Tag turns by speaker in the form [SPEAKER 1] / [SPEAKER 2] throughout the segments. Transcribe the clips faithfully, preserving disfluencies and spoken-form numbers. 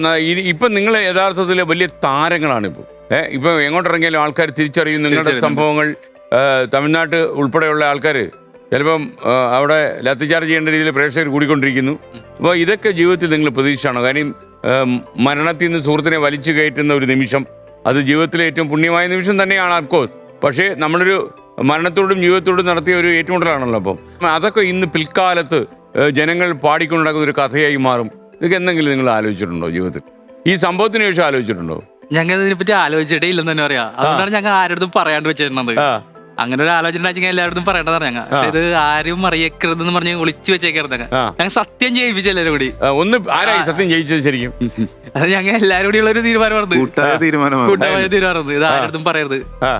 [SPEAKER 1] ഇപ്പൊ നിങ്ങൾ യഥാർത്ഥത്തിൽ വലിയ താരങ്ങളാണ് ഇപ്പോൾ. ഏഹ് ഇപ്പൊ എങ്ങോട്ടിറങ്ങിയാലും ആൾക്കാർ തിരിച്ചറിയും നിങ്ങളുടെ സംഭവങ്ങൾ. തമിഴ്നാട്ട് ഉൾപ്പെടെയുള്ള ആൾക്കാർ ചിലപ്പം അവിടെ ലത്തിച്ചാർജ് ചെയ്യേണ്ട രീതിയിൽ പ്രേക്ഷകർ കൂടിക്കൊണ്ടിരിക്കുന്നു. അപ്പോൾ ഇതൊക്കെ ജീവിതത്തിൽ നിങ്ങൾ പ്രതീക്ഷയാണോ? കാര്യം മരണത്തിൽ നിന്ന് സുഹൃത്തിനെ വലിച്ചു കയറ്റുന്ന ഒരു നിമിഷം, അത് ജീവിതത്തിലെ ഏറ്റവും പുണ്യമായ നിമിഷം തന്നെയാണ് അഫ്കോഴ്സ്. പക്ഷേ നമ്മളൊരു മരണത്തോടും ജീവിതത്തോടും നടത്തിയ ഒരു ഏറ്റുമുട്ടലാണല്ലോ. അപ്പം അതൊക്കെ ഇന്ന് പിൽക്കാലത്ത് ജനങ്ങൾ പാടിക്കൊണ്ടുണ്ടാക്കുന്ന ഒരു കഥയായി മാറും. ഇതൊക്കെ എന്തെങ്കിലും നിങ്ങൾ ആലോചിച്ചിട്ടുണ്ടോ ജീവിതത്തിൽ? ഈ സംഭവത്തിന് ശേഷം ആലോചിച്ചിട്ടുണ്ടോ?
[SPEAKER 2] ഞങ്ങൾ ഇതിനെപ്പറ്റി ആലോചിച്ചിട്ടേ ഇല്ലെന്ന് തന്നെ പറയാം. അതുകൊണ്ടാണ് ഞങ്ങൾ ആരുടെ പറയാണ്ട് വെച്ചിരുന്നത്. അങ്ങനെ ഒരു ആലോചന എല്ലാവരും പറയേണ്ടതാണ് ഞങ്ങൾ. ഇത് ആരും അറിയക്കരുതെന്ന് പറഞ്ഞ് ഒളിച്ചു വെച്ചേക്കരുത്. ഞങ്ങൾ സത്യം ചെയ്യിപ്പിച്ച എല്ലാവരും കൂടി.
[SPEAKER 1] ഒന്ന് ആരായി സത്യം ചെയ്യിച്ചത് ശരിക്കും?
[SPEAKER 2] അത് ഞങ്ങൾ എല്ലാവരും കൂടി ഉള്ള ഒരു തീരുമാനമായിരുന്നു. കൂട്ടമായ തീരുമാനമായിരുന്നു. ഇത് ആരും പറയരുത്.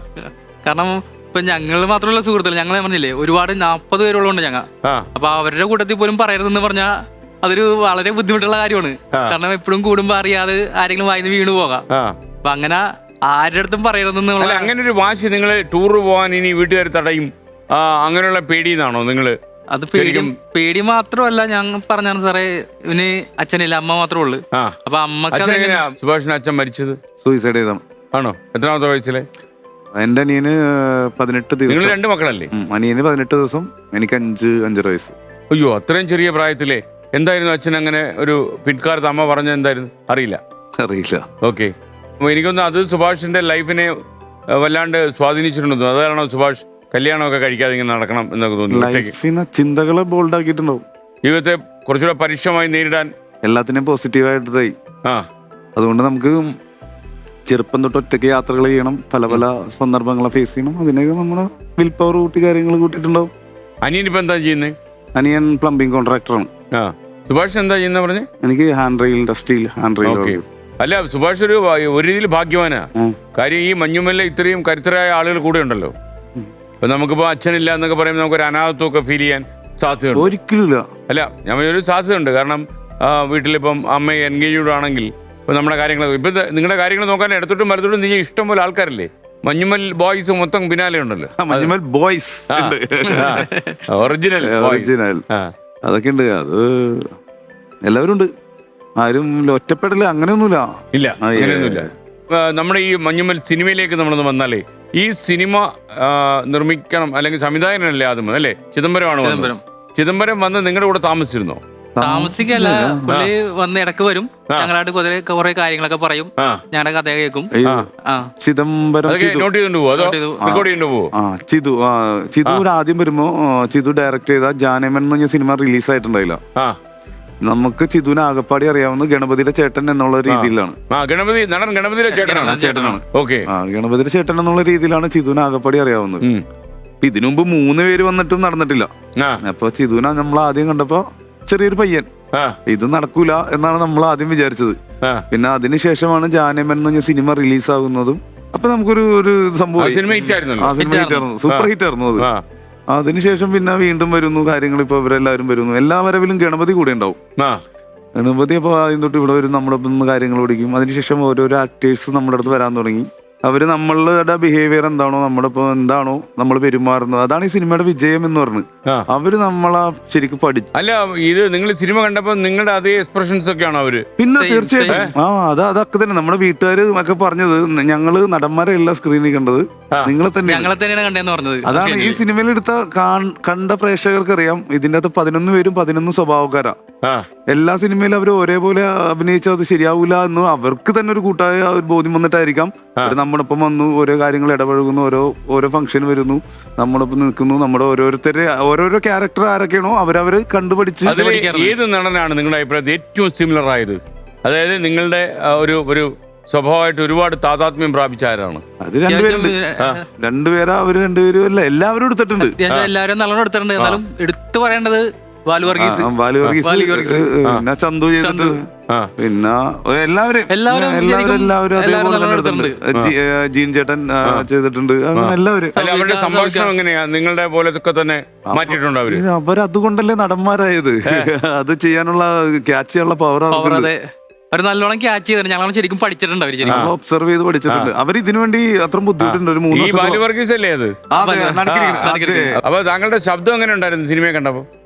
[SPEAKER 2] കാരണം ഇപ്പൊ ഞങ്ങൾ മാത്രമല്ല സുഹൃത്തുക്കൾ, ഞങ്ങൾ പറഞ്ഞില്ലേ ഒരുപാട് നാപ്പത് പേരുള്ളതുകൊണ്ട് ഞങ്ങൾ. അപ്പൊ അവരുടെ കൂട്ടത്തിൽ പോലും പറയരുതെന്ന് പറഞ്ഞാൽ അതൊരു വളരെ ബുദ്ധിമുട്ടുള്ള കാര്യമാണ്. കാരണം എപ്പോഴും കൂടുമ്പോ അറിയാതെ ആരെങ്കിലും വായിന്ന് വീണു പോകാം. അപ്പൊ അങ്ങനെ ആരുടെ അടുത്തും പറയരുതെന്നുള്ള
[SPEAKER 1] അങ്ങനെ ഒരു വാശി. നിങ്ങൾ ടൂർ പോകാൻ ഇനി വീട്ടുകാർ തടയും അങ്ങനെയുള്ള പേടിയെന്നാണോ നിങ്ങള്?
[SPEAKER 2] അത് പേടിയും പേടി മാത്രമല്ല. ഞങ്ങൾ പറഞ്ഞാണ് സാറേ, ഇവന് അച്ഛനില്ല, അമ്മ മാത്രമേ ഉള്ളു. അപ്പൊ അമ്മക്ക്
[SPEAKER 1] സുഭാഷിന്റെ അച്ഛൻ മരിച്ചത്
[SPEAKER 3] സൂയിസൈഡ് ചെയ്ത
[SPEAKER 1] ആണോ? എത്രാമത്തെ വയസ്സിലെ?
[SPEAKER 3] എന്റെ അനിയന് പതിനെട്ട് ദിവസം.
[SPEAKER 1] നിങ്ങൾ രണ്ട് മക്കളല്ലേ?
[SPEAKER 3] അനിയന് പതിനെട്ട് ദിവസം, എനിക്ക് അഞ്ച് അഞ്ചര വയസ്സ്.
[SPEAKER 1] അയ്യോ, അത്രയും ചെറിയ പ്രായത്തിലെ എന്തായിരുന്നു അച്ഛൻ അങ്ങനെ ഒരു പിൻകാലത്ത് അമ്മ പറഞ്ഞ എന്തായിരുന്നു? അറിയില്ല
[SPEAKER 3] അറിയില്ല
[SPEAKER 1] ഓക്കെ. എനിക്കൊന്ന് അത് സുഭാഷിന്റെ ലൈഫിനെ വല്ലാണ്ട് സ്വാധീനിച്ചിട്ടുണ്ടോ? അതാണോ സുഭാഷ് കല്യാണമൊക്കെ കഴിക്കാതെ ഇങ്ങനെ നടക്കണം എന്നൊക്കെ തോന്നുന്നു?
[SPEAKER 3] ചിന്തകളെ ബോൾഡ് ആക്കിയിട്ടുണ്ടാവും.
[SPEAKER 1] ജീവിതത്തെ കുറച്ചുകൂടെ പരുഷമായി നേരിടാൻ
[SPEAKER 3] എല്ലാത്തിനെയും പോസിറ്റീവായിട്ടായി.
[SPEAKER 1] ആ
[SPEAKER 3] അതുകൊണ്ട് നമുക്ക് ചെറുപ്പം തൊട്ട് ഒറ്റയ്ക്ക് യാത്രകൾ ചെയ്യണം, പല പല സന്ദർഭങ്ങളെ ഫേസ് ചെയ്യണം. അതിനൊക്കെ നമ്മുടെ വിൽ പവർ കൂട്ടി കാര്യങ്ങൾ കൂട്ടിയിട്ടുണ്ടാവും.
[SPEAKER 1] അനിയൻ ഇപ്പൊ എന്താ ചെയ്യുന്നത്?
[SPEAKER 3] അനിയൻ പ്ലംബിംഗ് കോൺട്രാക്ടറാണ്.
[SPEAKER 1] ആ സുഭാഷ് എന്താ ചെയ്യുന്ന പറഞ്ഞേ?
[SPEAKER 3] എനിക്ക് ഹാൻഡ് റെയിൽ ഇൻഡസ്ട്രിയിൽ ഹാൻഡ് റെയിൽ.
[SPEAKER 1] അല്ല, സുഭാഷ് ഒരു ഒരു രീതിയിൽ ഭാഗ്യവാനാ. കാര്യം ഈ മഞ്ഞുമല്ല ഇത്രയും കരുത്തരായ ആളുകൾ കൂടെ ഉണ്ടല്ലോ. ഇപ്പൊ നമുക്കിപ്പോ അച്ഛനില്ല എന്നൊക്കെ പറയുമ്പോൾ നമുക്കൊരു അനാഥത്വമൊക്കെ ഫീൽ ചെയ്യാൻ സാധ്യതയുണ്ട്.
[SPEAKER 3] ഒരിക്കലും
[SPEAKER 1] അല്ല, ഞാൻ ഒരു സാധ്യതയുണ്ട്. കാരണം വീട്ടിലിപ്പം അമ്മ എൻഗേജ്ഡ് ആണെങ്കിൽ ഇപ്പൊ നമ്മുടെ കാര്യങ്ങൾ ഇപ്പൊ നിങ്ങളുടെ കാര്യങ്ങൾ നോക്കാൻ ഇടത്തോട്ടും വലത്തോട്ടും നീ ഇഷ്ടം പോലെ ആൾക്കാരല്ലേ. മഞ്ഞുമൽ ബോയ്സ് മൊത്തം പിന്നാലെ ഉണ്ടല്ലോ.
[SPEAKER 3] മഞ്ഞുമൽ ബോയ്സ്
[SPEAKER 1] ഒറിജിനൽ
[SPEAKER 3] ഒറിജിനൽ അതൊക്കെ ഉണ്ട്. അത് എല്ലാവരും ഉണ്ട്. ആരും ഒറ്റപ്പെടല് അങ്ങനെയൊന്നുമില്ല.
[SPEAKER 1] ഇല്ല, അങ്ങനെയൊന്നുമില്ല. നമ്മുടെ ഈ മഞ്ഞുമൽ സിനിമയിലേക്ക് നമ്മളൊന്ന് വന്നാലേ, ഈ സിനിമ നിർമ്മിക്കണം അല്ലെങ്കിൽ സംവിധായകനല്ലേ ആദ്യം അല്ലേ? ചിദംബരമാണ്. ചിദംബരം വന്ന് നിങ്ങളുടെ കൂടെ താമസിച്ചിരുന്നോ?
[SPEAKER 2] താമസിക്കല്ല, പുള്ളി വന്ന് ഇടക്ക് വരും. ഞങ്ങളായിട്ട് കുറെ കുറെ കാര്യങ്ങളൊക്കെ പറയും. ഞങ്ങളുടെ കഥ കേൾക്കും.
[SPEAKER 3] ചിദംബരം
[SPEAKER 1] നോട്ട് ചെയ്തോണ്ട് പോവോ അതോ റെക്കോർഡ് ചെയ്തോണ്ട് പോവോ?
[SPEAKER 3] ചിതു ചിതു ആദ്യം വരുമ്പോ ചിതു ഡയറക്ട് ചെയ്ത ജാനമൻ എന്ന് പറഞ്ഞ സിനിമ റിലീസ് ആയിട്ടുണ്ടായില്ല. നമുക്ക് ചിതുവിനെ ആകപ്പാടി അറിയാവുന്ന ഗണപതിയുടെ ചേട്ടൻ എന്നുള്ള രീതിയിലാണ്.
[SPEAKER 1] ഗണപതി നടൻ ഗണപതിയുടെ ചേട്ടനാണ്
[SPEAKER 3] ചേട്ടനാണ്
[SPEAKER 1] ഓക്കെ.
[SPEAKER 3] ആ ഗണപതിയുടെ ചേട്ടൻ എന്നുള്ള രീതിയിലാണ് ചിതുവിനെ ആകപ്പാടി അറിയാവുന്നത്. ഇതിനു മുമ്പ് മൂന്ന് പേര് വന്നിട്ടും നടന്നിട്ടില്ല. അപ്പൊ ചിതുവിനെ നമ്മൾ ആദ്യം കണ്ടപ്പോ ചെറിയൊരു പയ്യൻ, ഇത് നടക്കൂല എന്നാണ് നമ്മൾ ആദ്യം വിചാരിച്ചത്. പിന്നെ അതിനുശേഷമാണ് ജാനമൻ എന്ന് പറഞ്ഞ സിനിമ റിലീസ് ആകുന്നതും. അപ്പൊ നമുക്കൊരു ഒരു സംഭവം, ആ സിനിമ ഹിറ്റ് ആയിരുന്നു, സൂപ്പർ ഹിറ്റ് ആയിരുന്നു അത്. അതിനുശേഷം പിന്നെ വീണ്ടും വരുന്നു കാര്യങ്ങൾ. ഇപ്പൊ ഇവരെല്ലാവരും വരുന്നു. എല്ലാ വരവിലും ഗണപതി കൂടെ ഉണ്ടാവും. ഗണപതി അപ്പൊ ആദ്യം തൊട്ട് ഇവിടെ വരും, നമ്മുടെ ഒപ്പം കാര്യങ്ങൾ ഓടിക്കും. അതിനുശേഷം ഓരോരോ ആക്ടേഴ്സ് നമ്മുടെ അടുത്ത് വരാൻ തുടങ്ങി. അവര് നമ്മളുടെ ബിഹേവിയർ എന്താണോ, നമ്മുടെ ഇപ്പൊ എന്താണോ നമ്മൾ പെരുമാറുന്നത്, അതാണ് ഈ സിനിമയുടെ വിജയം എന്ന് പറഞ്ഞു. അവര് നമ്മളെ ശരിക്കും പഠിച്ചു.
[SPEAKER 1] അല്ല, ഇത് നിങ്ങൾ സിനിമ കണ്ടപ്പോ നിങ്ങളുടെ അതേ എക്സ്പ്രഷൻസ് ഒക്കെയാണോ അവര്?
[SPEAKER 3] പിന്നെ തീർച്ചയായിട്ടും ആ അത് അതൊക്കെ തന്നെ നമ്മുടെ വീട്ടുകാര് ഒക്കെ പറഞ്ഞത്. ഞങ്ങള് നടന്മാരെ എല്ലാ സ്ക്രീനിൽ കണ്ടത് നിങ്ങളെ തന്നെ. അതാണ് ഈ സിനിമയിൽ എടുത്ത കണ്ട പ്രേക്ഷകർക്ക് അറിയാം. ഇതിന്റെ അകത്ത് പതിനൊന്ന് പേരും പതിനൊന്ന് സ്വഭാവക്കാരാ. എല്ലാ സിനിമയിലും അവർ ഒരേപോലെ അഭിനയിച്ചാൽ അത് ശരിയാവൂല എന്ന് അവർക്ക് തന്നെ ഒരു കൂട്ടായ ഒരു ബോധ്യം വന്നിട്ടായിരിക്കാം. അവർ നമ്മളിപ്പം വന്നു, ഓരോ കാര്യങ്ങൾ ഇടപഴകുന്നു, ഓരോ ഓരോ ഫംഗ്ഷൻ വരുന്നു, നമ്മളിപ്പം നിൽക്കുന്നു. നമ്മുടെ ഓരോരുത്തരെ ഓരോരോ ക്യാരക്ടർ ആരൊക്കെയാണോ അവരവര് കണ്ടുപഠിച്ച്.
[SPEAKER 1] ഏത് നടനാണ് നിങ്ങളുടെ അഭിപ്രായത്തിൽ ഏറ്റവും സിമിലർ ആയത്? അതായത് നിങ്ങളുടെ ഒരു ഒരു സ്വഭാവമായിട്ട് ഒരുപാട് താതാത്മ്യം പ്രാപിച്ച ആരാണ്?
[SPEAKER 3] അത് രണ്ടുപേരുണ്ട്. രണ്ടുപേരാ അവര് രണ്ടുപേരും അല്ല എല്ലാവരും എടുത്തിട്ടുണ്ട്.
[SPEAKER 2] എല്ലാവരും നല്ലോണം എടുത്തിട്ടുണ്ട്. എന്നാലും എടുത്തു പറയേണ്ടത് ബാലു വർഗീസ്,
[SPEAKER 3] പിന്നെ ചന്തു ചെയ്തിട്ട്, പിന്നെ എല്ലാവരും എല്ലാവരും എല്ലാവരും അതേപോലെ തന്നെ എടുത്തിട്ടുണ്ട്. ജീൻ ചേട്ടൻ ചെയ്തിട്ടുണ്ട്. അങ്ങനെ എല്ലാവരും.
[SPEAKER 1] അവരുടെ സംഭാഷണം എങ്ങനെയാ നിങ്ങളുടെ പോലെ തന്നെ മാറ്റിയിട്ടുണ്ട് അവര്?
[SPEAKER 3] അവരതുകൊണ്ടല്ലേ നടന്മാരായത്. അത് ചെയ്യാനുള്ള ക്യാച്ച് ചെയ്യാനുള്ള പവർ
[SPEAKER 2] അവർ നല്ലോണം ക്യാച്ച് ചെയ്തിട്ട് ഞങ്ങൾ ശരിക്കും പഠിച്ചിട്ടുണ്ട്. അവർ ശരിക്കും
[SPEAKER 3] ഒബ്സർവ് ചെയ്ത് പഠിച്ചിട്ടുണ്ട്. അവർ ഇതിനു വേണ്ടി അത്ര ബുദ്ധിമുട്ടുണ്ട്. ഒരു മൂന്ന്.
[SPEAKER 1] അല്ലേ അത്? അപ്പൊ താങ്കളുടെ ശബ്ദം എങ്ങനെ ഉണ്ടായിരുന്നു സിനിമയെ കണ്ടപ്പോ?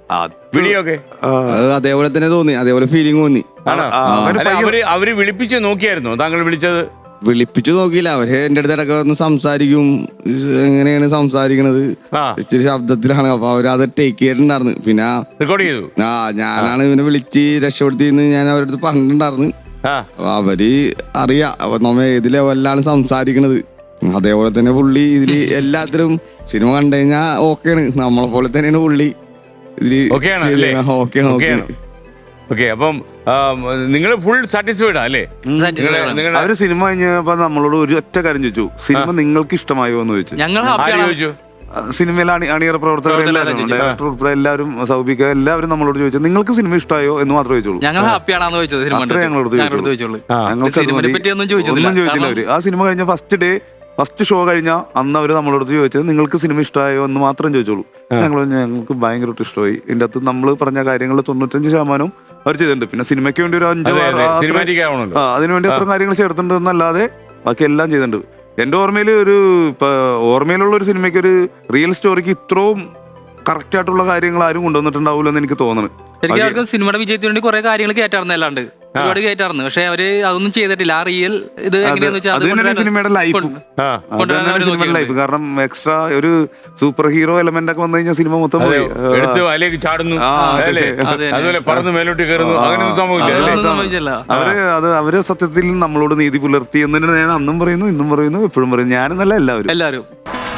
[SPEAKER 1] വിളിയൊക്കെ
[SPEAKER 4] അത് അതേപോലെ തന്നെ തോന്നി, അതേപോലെ ഫീലിംഗ് തോന്നി.
[SPEAKER 1] ആണോ? അല്ല, അവര് അവര് വിളിപ്പിച്ച് നോക്കിയായിരുന്നോ താങ്കൾ വിളിച്ചത്?
[SPEAKER 4] വിളിപ്പിച്ചു നോക്കിയില്ല. അവര് എന്റെ അടുത്ത് ഇടയ്ക്ക് ഒന്ന് സംസാരിക്കും, എങ്ങനെയാണ് സംസാരിക്കണത്, ഇച്ചിരി ശബ്ദത്തിലാണ്. അപ്പൊ അവരത് ടേക്ക് ചെയ്തിട്ടുണ്ടായിരുന്നു. പിന്നെ
[SPEAKER 1] റെക്കോർഡ് ചെയ്തു.
[SPEAKER 4] ആ ഞാനാണ് ഇവനെ വിളിച്ച് രക്ഷപ്പെടുത്തിയെന്ന് ഞാൻ അവരുടെ അടുത്ത് പറഞ്ഞിട്ടുണ്ടായിരുന്നു. അപ്പൊ അവര് അറിയാം നമ്മ ഏത് ലെവലിലാണ് സംസാരിക്കണത്. അതേപോലെ തന്നെ പുള്ളി ഇതില് എല്ലാത്തിലും സിനിമ കണ്ടു കഴിഞ്ഞാ ഓക്കെയാണ്. നമ്മളെ പോലെ തന്നെയാണ് പുള്ളി ഇതില്. ഓക്കെയാണ് ഓക്കെയാണ്
[SPEAKER 1] ഓക്കെ. അപ്പം നിങ്ങൾ ഫുൾ സാറ്റിസ്ഫൈഡ് അല്ലേ?
[SPEAKER 3] അവര് സിനിമ കഴിഞ്ഞപ്പോ നമ്മളോട് ഒരു ഒറ്റ കാര്യം ചോദിച്ചു, സിനിമ നിങ്ങൾക്ക് ഇഷ്ടമായോ എന്ന് ചോദിച്ചു.
[SPEAKER 2] ഞങ്ങൾ
[SPEAKER 1] ചോദിച്ചു
[SPEAKER 3] സിനിമയിലെ അണി അണിയറ പ്രവർത്തകർ എല്ലാവരും, ഡയറക്ടർ ഉൾപ്പെടെ എല്ലാവരും, സൗബിക എല്ലാവരും നമ്മളോട് ചോദിച്ചു നിങ്ങൾക്ക് സിനിമ ഇഷ്ടമായോ എന്ന് മാത്രമേ ചോദിച്ചുള്ളൂ.
[SPEAKER 2] ഞങ്ങൾ ഹാപ്പിയാണെന്ന് ചോദിച്ചത്.
[SPEAKER 3] അത്രേ ഞങ്ങളോട് ചോദിച്ചുള്ളൂ. ഞങ്ങൾക്ക് ഒന്നും ചോദിച്ചില്ല അവര്. ആ സിനിമ കഴിഞ്ഞ ഫസ്റ്റ് ഡേ ഫസ്റ്റ് ഷോ കഴിഞ്ഞ അന്ന് അവര് നമ്മളോട് ചോദിച്ചത് നിങ്ങൾക്ക് സിനിമ ഇഷ്ടമായോ എന്ന് മാത്രം ചോദിച്ചോളൂ. ഞങ്ങൾ ഞങ്ങൾക്ക് ഭയങ്കരമായിട്ട് ഇഷ്ടമായി. ഇതിന്റെ അകത്ത് നമ്മൾ പറഞ്ഞ കാര്യങ്ങൾ തൊണ്ണൂറ്റഞ്ച് ശതമാനവും അവർ ചെയ്തിട്ടുണ്ട്. പിന്നെ സിനിമയ്ക്ക് വേണ്ടി ഒരു അഞ്ചോ അതിനുവേണ്ടി അത്ര കാര്യങ്ങൾ ചേർത്തിട്ടുണ്ട് എന്നല്ലാതെ ബാക്കി എല്ലാം ചെയ്തിട്ടുണ്ട്. എന്റെ ഓർമ്മയിൽ ഒരു ഇപ്പൊ ഓർമ്മയിലുള്ള ഒരു സിനിമയ്ക്ക് ഒരു റിയൽ സ്റ്റോറിക്ക് ഇത്രയും കറക്റ്റ് ആയിട്ടുള്ള കാര്യങ്ങൾ ആരും കൊണ്ടുവന്നിട്ടുണ്ടാവില്ല എന്ന് എനിക്ക് തോന്നുന്നു.
[SPEAKER 2] ശരിക്കും അവർക്ക് സിനിമയുടെ വിജയത്തിന് വേണ്ടി കുറെ കാര്യങ്ങൾ കയറ്റാറുണ്ട്, അല്ലാണ്ട് ഒരുപാട് കയറ്റാറുണ്ട്. പക്ഷെ അവര് അതൊന്നും ചെയ്തിട്ടില്ല. ആ റിയൽ ഇത്
[SPEAKER 3] സിനിമയുടെ ലൈഫ് സിനിമയുടെ ലൈഫ് കാരണം എക്സ്ട്രാ ഒരു സൂപ്പർ ഹീറോ എലമെന്റ് ഒക്കെ വന്നു കഴിഞ്ഞാൽ സിനിമ മൊത്തം പോയി.
[SPEAKER 1] ചാടുന്നു, അതുപോലെ പറന്ന് മേലോട്ട് കയറുന്നു, അങ്ങനെയൊന്നും സംഭവിക്കില്ല.
[SPEAKER 3] അവര് അത് അവര് സത്യത്തിൽ നമ്മളോട് നീതി പുലർത്തി എന്ന് ഞാൻ അന്നും പറയുന്നു, ഇന്നും പറയുന്നു, എപ്പോഴും പറയുന്നു. ഞാനെന്നല്ല എല്ലാവരും
[SPEAKER 2] എല്ലാവരും